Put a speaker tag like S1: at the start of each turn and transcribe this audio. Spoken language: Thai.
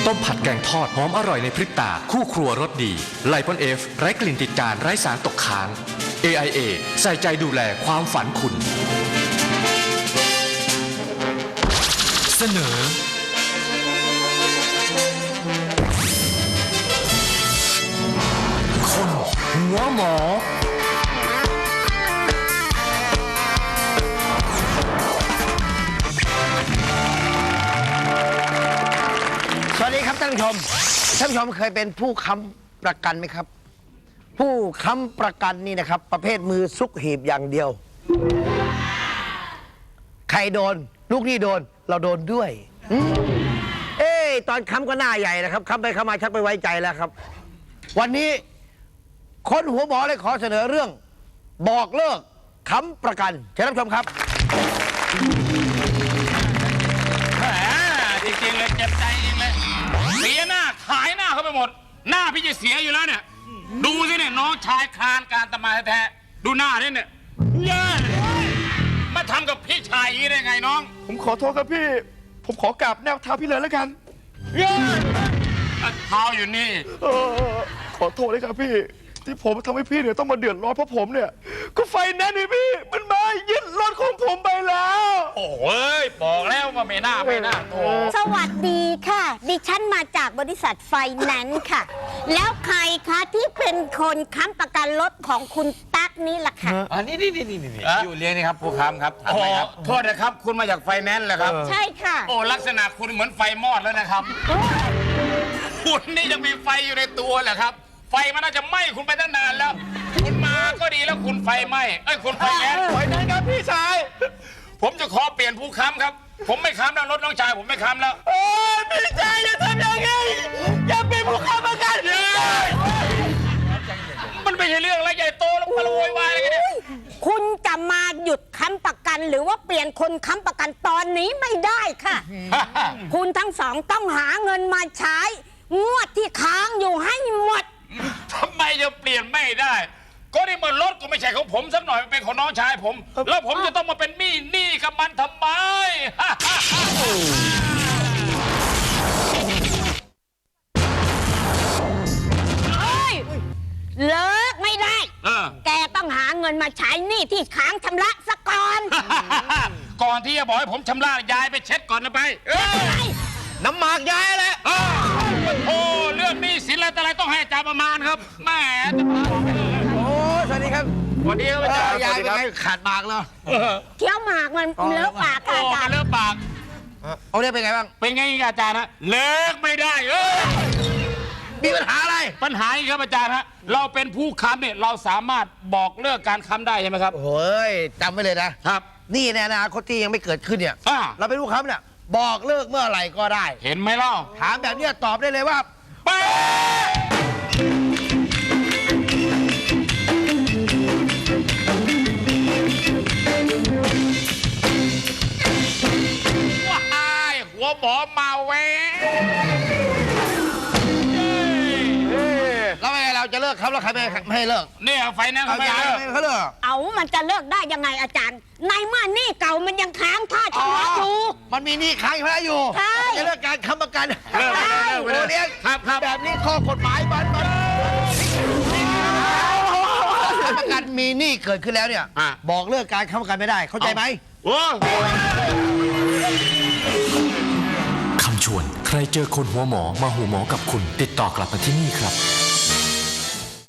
S1: ต้มผัดแกงทอดหอมอร่อยในพริบตาคู่ครัวรสดีไลปอนเอฟไร้กลิ่นติดจานไร้สารตกค้าง AIA ใส่ใจดูแลความฝันคุณเสนอคนหัวหมอ
S2: สวัสดีครับท่านผู้ชมเคยเป็นผู้ค้ำประกันไหมครับผู้ค้ำประกันนี่นะครับประเภทมือซุกหีบอย่างเดียวใครโดนลูกหนี้โดนเราโดนด้วยตอนค้ำก็หน้าใหญ่นะครับค้ำไปค้ำมาชักไปไว้ใจแล้วครับวันนี้คนหัวหมอเลยขอเสนอเรื่องบอกเลิกค้ำประกันเชิญรับชมครับ
S3: จริงๆเลยเจ็บใจจริงเลยเสียหน้าขายหน้าเขาไปหมดหน้าพี่จะเสียอยู่แล้วเนี่ยดูสิเนี่ยน้องชายคลานการตมาแท้ๆดูหน้าเนี่ยเย้มาทำกับพี่ชายอย่างนี้ได้ไงน้อง
S4: ผมขอโทษครับพี่ผมขอกราบแนวเท้าพี่เลยแล้วกัน
S3: เย้เท้าอยู่นี่
S4: ขอโทษเลยครับพี่ที่ผมทำให้พี่เนี่ยต้องมาเดือดร้อนเพราะผมเนี่ยก็ไฟแนนซ์นี่พี่มันมายึดรถของผมไปแล้ว
S3: โอ้ยบอกแล้วว่าไม่น่าโอ้
S5: สวัสดีค่ะดิฉันมาจากบริษัทไฟแนนซ์ค่ะแล้วใครคะที่เป็นคนค้ำประกันรถของคุณตั๊กนี่ล่ะค่ะ
S6: นี่อยู่เลี้ยงนี่ครับผู้ค้ำครับถามไหมครับ
S3: โทษนะครับคุณมาจากไฟแนนซ์เหรอครับ
S5: ใช่ค่ะ
S3: โอ้ลักษณะคุณเหมือนไฟมอดแล้วนะครับคุณนี่ยังมีไฟอยู่ในตัวเหรอครับไฟมันน่าจะไหม้คุณไปตั้งนานแล้วคุณมาก็ดีแล้วคุณไฟไหม้คุณไฟแนนซ์
S4: ครับพี่ชาย
S3: ผมจะขอเปลี่ยนผู้ค้ำครับผมไม่ค้ำแล้วรถน้องชายผมไม่ค้ำแล้ว
S4: พี่ชายอย่าทำอย่างนี้อย่าเป็นผู้ค้ำประกัน
S3: มันไม่ใช่เรื่องอะไรใหญ่โตแล้วมาโวยวายอะไรกันเนี่ย
S5: คุณจะมาหยุดค้ำประกันหรือว่าเปลี่ยนคนค้ำประกันตอนนี้ไม่ได้ค่ะ คุณทั้งสองต้องหาเงินมาใช้งวดที่ค้างอยู่ให้หมด
S3: ทำไมจะเปลี่ยนไม่ได้ก็นี่มันรถก็ไม่ใช่ของผมสักหน่อยมันเป็นของน้องชายผมแล้วผมจะต้องมาเป็นหนี้กับมันทำไม
S5: เลิกไม่ได้แกต้องหาเงินมาใช้หนี้ที่ค้างชำระซะก่อน
S3: ก่อนที่จะบอกให้ผมชำระยายไปเช็ดก่อนนะไป
S2: น้ำหมากยายแหละ
S3: โอ้เรื่องหนี้สินอะไรต้องให้อาจารย์ประมาณครับแม่
S2: โอ้สวัสดีครับ
S3: สวัสดีครับอาจารย์
S2: ยายเป็นไงขาดหมากแล้ว
S5: เคี้ยวหมากมันเลอะปากอาจารย์
S3: เลอะปาก
S2: เอาเรื่องเป็นไงบ้าง
S3: เป็นไงอาจารย์ฮะเลิกไม่ได้
S2: มีปัญหาอะไร
S3: ปัญหาอีกครับอาจารย์ฮะเราเป็นผู้ค้ำเนี่ยเราสามารถบอกเลิกการค้ำได้ใช่ไหมครับ
S2: โอ้ยจำไว้เลยนะครับนี่ในอนาคตที่ยังไม่เกิดขึ้นเนี่ยเราเป็นผู้ค้ำเนี่ยบอกเลิกเมื่อไหร่ก็ได้
S3: เห็นไหมเล่า
S2: ถามแบบนี้ตอบได้เลยว่า
S3: หัวหมอมาเว้
S2: แล้วไงเราจะเลิกครับแล้วใครไม่ให้เลิก
S3: เนี่ยไฟแนนซ์เขาไม่
S2: เลิก
S5: เอามันจะเลิกได้ยังไงอาจารย์ในเมื่อหนี้เก่ามันยังค้างค่าชำระอยู่
S2: มันมีหนี้ค้างอยู่จะเลิกการค้ำประกันโอเลี้ยงแบบนี้ข้อกฎหมายมันค้ำประกันมีหนี้เกิดขึ้นแล้วเนี่ยบอกเลิกการค้ำประกันไม่ได้เข้าใจไหม
S1: คำชวนใครเจอคนหัวหมอมาหูหมอกับคุณติดต่อกลับมาที่นี่ครับ